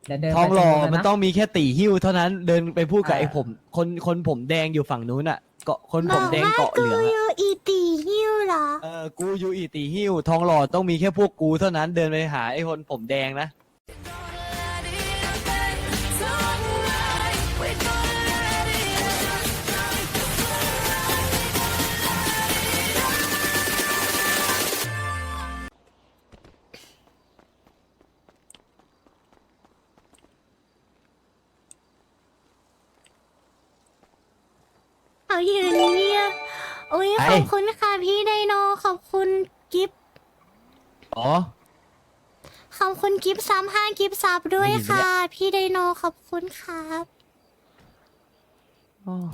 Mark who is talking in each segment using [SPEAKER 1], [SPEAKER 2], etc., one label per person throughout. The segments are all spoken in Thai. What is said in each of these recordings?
[SPEAKER 1] เดี๋ยวเดิน
[SPEAKER 2] ทองหล่อ
[SPEAKER 1] ไปตร
[SPEAKER 2] มันต้องมีแค่ตีหิ้วเท่านั้นเดินไปพูดกับ
[SPEAKER 1] อ่า
[SPEAKER 2] ไอ้ผมคนผมแดงอยู่ฝั่งนู้นอ่ะเกาะคน
[SPEAKER 3] บ
[SPEAKER 2] ผ
[SPEAKER 3] อ
[SPEAKER 2] ม
[SPEAKER 3] ก
[SPEAKER 2] แดง
[SPEAKER 3] ว่า
[SPEAKER 2] เกาะเห
[SPEAKER 3] กู
[SPEAKER 2] ลือง
[SPEAKER 3] อ
[SPEAKER 2] อะ
[SPEAKER 3] ยู่อีตีหิ้วเหรอ
[SPEAKER 2] กูอยู่อีตีหิ้วทองหล่อต้องมีแค่พวกกูเท่านั้นเดินไปหาไอ้คนผมแดงนะ
[SPEAKER 3] เอาอยู่เนี่ยโอ้ย
[SPEAKER 2] ไอ้
[SPEAKER 3] ขอบคุณค่ะพี่ไดโนขอบคุณกิฟต์
[SPEAKER 2] อ๋อ
[SPEAKER 3] ขอบคุณกิฟต์35กิฟต์ซับด้วย
[SPEAKER 2] ได้ยินไหม
[SPEAKER 3] ค่ะ
[SPEAKER 2] เนี่ย
[SPEAKER 3] พี่ไดโนขอบคุณครับ
[SPEAKER 2] อ๋อ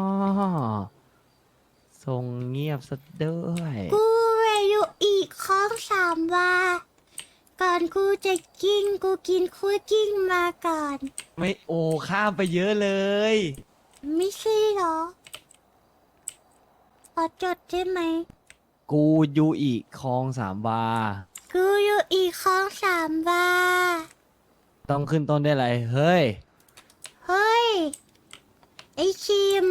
[SPEAKER 2] ทรงเงียบซะด้วย
[SPEAKER 3] กูเวอยู่อีกข้อง3ว่าก่อนกูจะกิ้งกูกินคั่วกิ้งมาก่อน
[SPEAKER 2] ไม่โอ้ข้ามไปเยอะเลย
[SPEAKER 3] ไม่ใช่เหรอขอจดได้ไหม
[SPEAKER 2] กูอยู่อีกคลองสามวา
[SPEAKER 3] กูอยู่อีกข้อง3ว่า
[SPEAKER 2] ต้องขึ้นต้นได้วยอะไรเฮ้ย
[SPEAKER 3] เฮ้ยไอคิม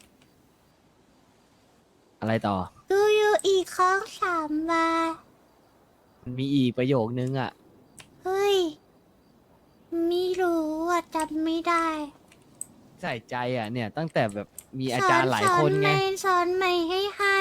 [SPEAKER 2] อะไรต่อ
[SPEAKER 3] กูอยู่อีกข้อง3ว่า
[SPEAKER 2] มันมีอีกประโยคนึงอ่ะ
[SPEAKER 3] เฮ้ยไม่รู้อ่ะจำไม่ได้
[SPEAKER 2] ใส่ใจอ่ะเนี่ยตั้งแต่แบบมีอาจารย์หลายคนไง
[SPEAKER 3] สอนใหม่ให้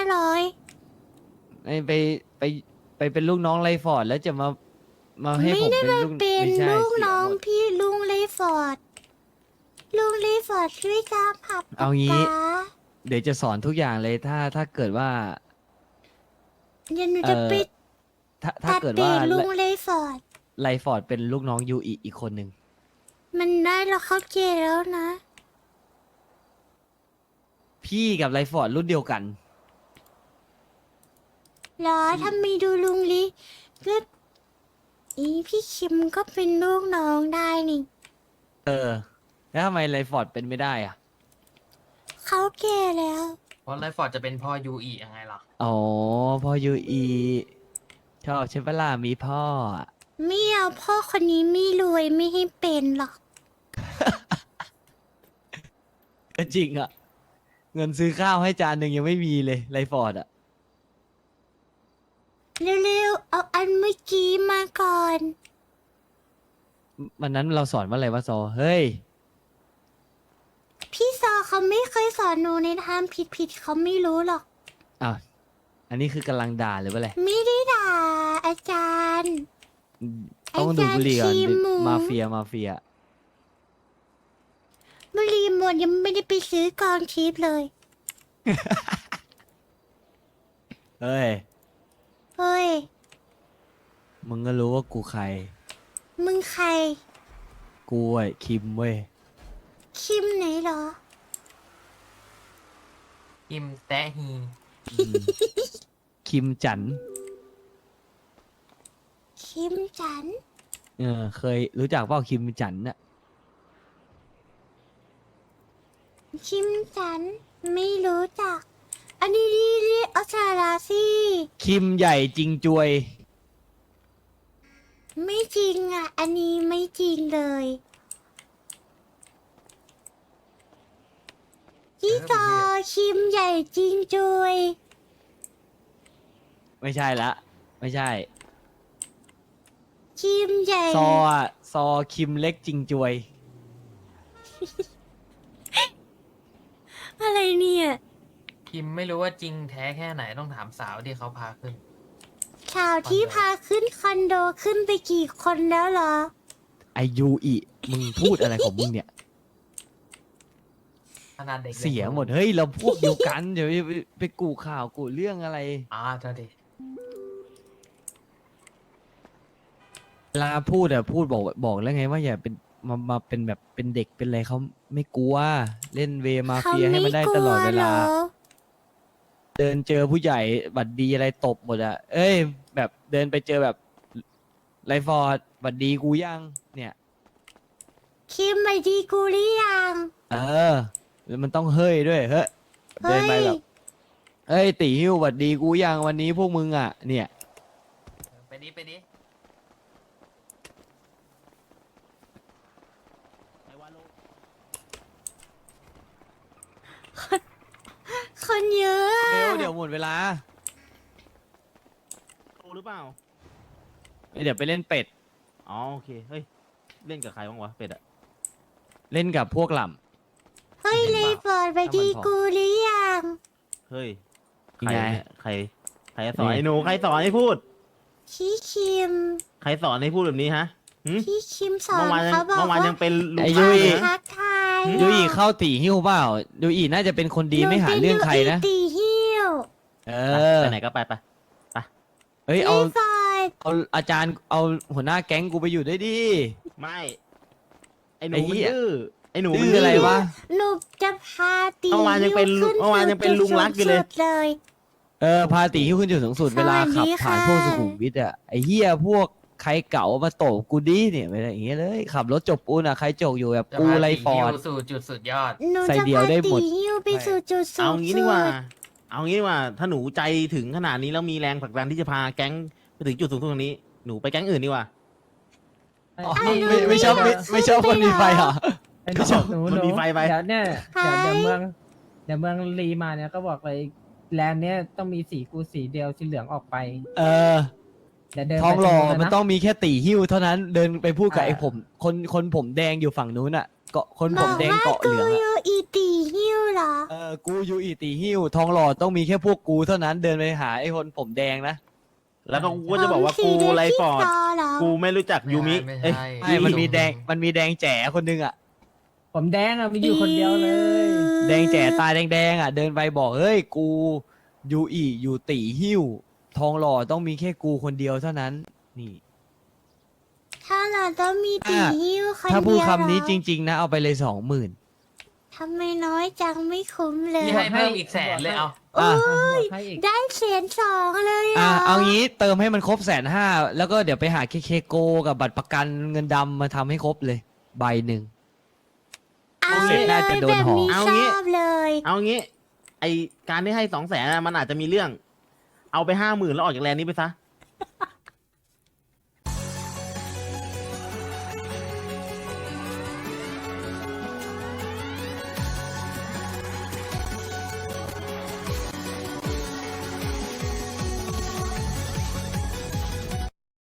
[SPEAKER 3] 500
[SPEAKER 2] ไปเป็นลูกน้องไรฟอร์ดแล้วจะมาให้
[SPEAKER 3] ไม่
[SPEAKER 2] ผม
[SPEAKER 3] ได้
[SPEAKER 2] เป็น
[SPEAKER 3] มา
[SPEAKER 2] ลูก
[SPEAKER 3] เป็น
[SPEAKER 2] ไม่ใช่
[SPEAKER 3] ลูก
[SPEAKER 2] เสีย
[SPEAKER 3] น้อง
[SPEAKER 2] หมด
[SPEAKER 3] พี่ลุงเลฟอร์ดลุงเลฟอร์ดช่วยตามผับ
[SPEAKER 2] เอางี้
[SPEAKER 3] ป๊า
[SPEAKER 2] เดี๋ยวจะสอนทุกอย่างเลยถ้าเกิดว่า
[SPEAKER 3] เดี๋ยวหนูจะไป
[SPEAKER 2] ถ้า
[SPEAKER 3] ตัด
[SPEAKER 2] เกิด
[SPEAKER 3] เปลี่
[SPEAKER 2] ว่าย
[SPEAKER 3] นลุงเลฟอร์ด
[SPEAKER 2] ไรฟอร์ดเป็นลูกน้องยูอีกคนหนึ่ง
[SPEAKER 3] มันได้แล้วเขาเกย์แล้วนะ
[SPEAKER 2] พี่กับไรฟอร์ดรุ่นเดียวกัน
[SPEAKER 3] เหรอถ้ามีดูลุงลิก็อีพี่คิมก็เป็นลูกน้องได้นี่
[SPEAKER 2] เออ แล้วทำไมไรฟอร์ดเป็นไม่ได้อ่ะ
[SPEAKER 3] เขาแก่แล้ว
[SPEAKER 1] เพราะไลฟ์ฟอร์ดจะเป็นพ่อยูอียังไงล่ะ
[SPEAKER 2] อ๋อพ่อยูอีชอบใช่ปะล่ะมีพ่ออะ
[SPEAKER 3] ไม่เอาพ่อคนนี้ไม่รวยไม่ให้เป็นหรอก
[SPEAKER 2] ก็จริงอ่ะ เงินซื้อข้าวให้จานหนึ่งยังไม่มีเลยไรฟอร์ดอ่ะ
[SPEAKER 3] เร็วๆเอาอันเมื่อกี้มาก่อน
[SPEAKER 2] วันนั้นเราสอนว่าอะไรวะซอเฮ้ย
[SPEAKER 3] พี่ซอเขาไม่เคยสอนหนูในทางผิดๆเขาไม่รู้หรอก
[SPEAKER 2] อ้าวอันนี้คือกำลังด่าหรือว่าอะไร
[SPEAKER 3] ไม่ได้ด่าอาจารย์
[SPEAKER 2] ต้องดูบุหรี่ก่อน
[SPEAKER 3] อาจารย์ขี้หมู
[SPEAKER 2] มาเฟีย
[SPEAKER 3] บุหรีหมดยังไม่ได้ไปซื้อกองทิพย์เลย
[SPEAKER 2] เฮ้ย
[SPEAKER 3] เฮ้ย
[SPEAKER 2] มึงก็รู้ว่ากูใคร
[SPEAKER 3] มึงใคร
[SPEAKER 2] กูไอ้คิมเว้ย
[SPEAKER 3] คิมไหนเหรอ
[SPEAKER 1] อิมแตะฮี
[SPEAKER 2] อืมคิมจัน
[SPEAKER 3] คิมจัน
[SPEAKER 2] เคยรู้จักเปล่าคิมจันน่ะ
[SPEAKER 3] คิมจันไม่รู้จัก อันนี้เรียกเอาสาราสิ
[SPEAKER 2] คิมใหญ่จริงจวย
[SPEAKER 3] ไม่จริงอ่ะ อันนี้ไม่จริงเลยพี่ซอคิมใหญ่จริงจุย
[SPEAKER 2] ไม่ใช่ละ ไม่ใช่
[SPEAKER 3] คิมใหญ่
[SPEAKER 2] ซออะซอคิมเล็กจริงจวย
[SPEAKER 3] อะไรเนี่ย
[SPEAKER 1] คิมไม่รู้ว่าจริงแท้แค่ไหนต้องถามสาวที่เขาพาขึ้น
[SPEAKER 3] ข่าวที่พาขึ้นคอนโดขึ้นไปกี่คนแล้วเหรอ
[SPEAKER 2] ไอยูอีมึงพูดอะไรของมึงเนี่ย
[SPEAKER 1] ขนาดเด็ก
[SPEAKER 2] เสียหมด เฮ้ย เราพวกเดียวกัน เดี๋ยวไปกูข่าวกูเรื่องอะไร
[SPEAKER 1] เธอดิ
[SPEAKER 2] เวลาพูดอะพูดบอกแล้วไงว่าอย่าเป็นมาเป็นแบบเป็นเด็กเป็นอะไรเขาไม่กลัว เล่นเวมาเฟียให้มันได้ตลอดเวลา เดินเจอผู้ใหญ่บัดดีอะไรตบหมดอะเอ้ย แบบเดินไปเจอแบบไรฟอร์ดบัดดีกูยัง เนี่ย
[SPEAKER 3] คิมไปดีกูหรือยัง
[SPEAKER 2] เออแล้วมันต้องเฮ้ยด้วยเฮ้ยเดินไปแบบเอ้ยตีหิ้วบัดดีกูยังวันนี้พวกมึงอะเนี่ย
[SPEAKER 1] ไปดิ
[SPEAKER 3] คนเยอะอะ
[SPEAKER 2] เร็วเดี๋ยวหมดเวลา
[SPEAKER 4] โตหรือเปล่า
[SPEAKER 2] เดี๋ยวไปเล่นเป็ด
[SPEAKER 4] อ๋อโอเค เฮ้ย เล่นกับใครบ้างวะ เป็ดอะ
[SPEAKER 2] เล่นกับพวกหล่
[SPEAKER 3] เฮ้ยเลยเปิดไปดีกูหรือยัง
[SPEAKER 4] เฮ้ย
[SPEAKER 2] ยัง
[SPEAKER 4] ใคร
[SPEAKER 2] ไง
[SPEAKER 4] เนี่ยใครสอน
[SPEAKER 2] นี่
[SPEAKER 4] ไอ้หนู ใครสอนให้พูด
[SPEAKER 3] พี่คิม
[SPEAKER 4] ใครสอนให้พูดแบบนี้ฮะหึ
[SPEAKER 3] พี่คิมสอน
[SPEAKER 4] เมื่อวานยัง
[SPEAKER 3] เขาบอก
[SPEAKER 4] เมื่อวาน
[SPEAKER 3] ว่า
[SPEAKER 4] ยังเป็นลุง
[SPEAKER 2] ไอ้
[SPEAKER 4] ป้า
[SPEAKER 2] ยุ้ย
[SPEAKER 4] เลยนะ
[SPEAKER 3] ทักทาย
[SPEAKER 2] ำยูอีเข้าตีหิ้วเปล่ายูอีน่าจะเป็นคนดีไม่หาเรื่องใครนะ
[SPEAKER 3] หตีหิ้ว
[SPEAKER 2] เอ
[SPEAKER 4] ไป
[SPEAKER 2] อ
[SPEAKER 4] ไหนก็ไปไป
[SPEAKER 2] เฮ้ยเอา
[SPEAKER 3] พี่ฟอย
[SPEAKER 2] เอาอาจารย์เอาหัวหน้าแก๊งกูไปอยู่ด้วยดิ
[SPEAKER 4] ไม่ ไอ้หนู
[SPEAKER 2] ไอ้เหี้
[SPEAKER 4] มัน
[SPEAKER 2] ย
[SPEAKER 4] ดื้อ ไอ้หนู
[SPEAKER 2] ดื้
[SPEAKER 4] มัน
[SPEAKER 2] ออะไรวะ
[SPEAKER 3] หนูจะพาตี
[SPEAKER 4] เมื่อวานยังเป็น
[SPEAKER 3] หิ้ขึ้
[SPEAKER 4] เมื่อวานยังเป็นลุงรักอยู่เลย
[SPEAKER 3] จุดสูงสุดเลย
[SPEAKER 2] พาตีหิ้วขึ้นจุดสูงสุด
[SPEAKER 3] สวัสดี
[SPEAKER 2] เวลาขับผ่าน
[SPEAKER 3] ค่ะ
[SPEAKER 2] พวกสุขุมวิทอะไอ้เหี้ยพวกใครเก่ามาโตบกูดิเนี่ยไม่ได้อย่างเงี้ยเลยขับรถจบปูนอะใครจกอยู่แบบ
[SPEAKER 1] จะ
[SPEAKER 2] กู
[SPEAKER 1] พา
[SPEAKER 2] ไร
[SPEAKER 1] ตี
[SPEAKER 2] ฟอร์ด
[SPEAKER 1] ฮิ้วสู่จุดสุดยอด
[SPEAKER 3] หนู
[SPEAKER 2] ใส่
[SPEAKER 3] จะ
[SPEAKER 2] เดี่ยว
[SPEAKER 3] พา
[SPEAKER 2] ได้หม
[SPEAKER 3] ตี
[SPEAKER 2] ด
[SPEAKER 3] หิ้วไปสู่จุดสูง
[SPEAKER 4] เอา
[SPEAKER 3] สุด
[SPEAKER 4] งี้ดีกว่า เอางี้ดีกว่า ถ้าหนูใจถึงขนาดนี้แล้วมีแรงผลักดันที่จะพาแก๊งไปถึงจุดสูงสุดตรงนี้ หนูไปแก๊งอื่นดีกว่า
[SPEAKER 2] อ๋อไม่ชอบไม่ชอบคนมีไฟเหรอ
[SPEAKER 5] ไอ้หนูหนู
[SPEAKER 4] มันมีไฟไป
[SPEAKER 5] เดี๋ยวเนี่ยเดี๋ยวเมืองรีมาเนี่ยก็บอกเลยแลนด์เนี่ยต้องมีสีกูสีเดียวสีเหลืองออกไป
[SPEAKER 2] เออ
[SPEAKER 5] เดี๋ยวเดิน
[SPEAKER 2] ทองหล่อ
[SPEAKER 5] ไป
[SPEAKER 2] มัน
[SPEAKER 5] ตร
[SPEAKER 2] ต้องมีแค่ตีหิ้วเท่านั้นเดินไปพูดกับ
[SPEAKER 5] อ่า
[SPEAKER 2] ไอ้ผมคนผมแดงอยู่ฝั่งนู้นอะเกาะคน
[SPEAKER 3] บ
[SPEAKER 2] ผ
[SPEAKER 3] อ
[SPEAKER 2] ม
[SPEAKER 3] ก
[SPEAKER 2] แดง
[SPEAKER 3] ว่า
[SPEAKER 2] เกาะเห
[SPEAKER 3] กู
[SPEAKER 2] ลือง
[SPEAKER 3] อ
[SPEAKER 2] อะ
[SPEAKER 3] ยู่อีตีหิ้วเหรอ
[SPEAKER 2] กูอยู่อีตีหิ้วทองหล่อต้องมีแค่พวกกูเท่านั้นเดินไปหาไอ้คนผมแดงนะ
[SPEAKER 4] แล้วก็กูก็จะบอกว่ากูไรฟอร์ด กูไม่รู้จักยูมิ
[SPEAKER 1] ไม่
[SPEAKER 4] เอ้ย
[SPEAKER 1] ใช่
[SPEAKER 2] ใช่มันมีแดงแจ๋คนนึงอะ
[SPEAKER 5] ผมแดงอะมีอยู่คนเดียวเลย
[SPEAKER 2] แดงแจ๋ตาแดงอะเดินไปบอกเฮ้ยกูอยู่ตีหิ้วทองหล่อต้องมีแค่กูคนเดียวเท่านั้น นี่
[SPEAKER 3] ถ้าเราต้องมีตีหิ้วคนเดียว
[SPEAKER 2] ถ้าพูดคำนี้
[SPEAKER 3] เหรอ
[SPEAKER 2] จริง ๆ นะเอาไปเลย20,000
[SPEAKER 3] ทำไมน้อยจังไม่คุ้มเลย
[SPEAKER 1] พี่ให้เพิ่มอีกแสนเลยเอา
[SPEAKER 2] อ่ะ
[SPEAKER 5] บอกให้อีก
[SPEAKER 3] ได้1,200,000เลย
[SPEAKER 2] เอางี้เติมให้มันครบ150,000แล้วก็เดี๋ยวไปหาเคโกกับบัตรประกันเงินดำมาทำให้ครบเลยใบหนึ่ง
[SPEAKER 3] เอา
[SPEAKER 2] เสร็จ
[SPEAKER 3] เล
[SPEAKER 2] น่าย จะโดน
[SPEAKER 3] แบบ
[SPEAKER 2] ห่อ
[SPEAKER 3] นี้
[SPEAKER 4] เอา
[SPEAKER 3] ช
[SPEAKER 4] งี้
[SPEAKER 3] อบเลย
[SPEAKER 4] เอางี้ ไอการที่ให้200,000มันอาจจะมีเรื่อง เอาไป50,000แล้วออกจากแลนด์นี้ไปซะ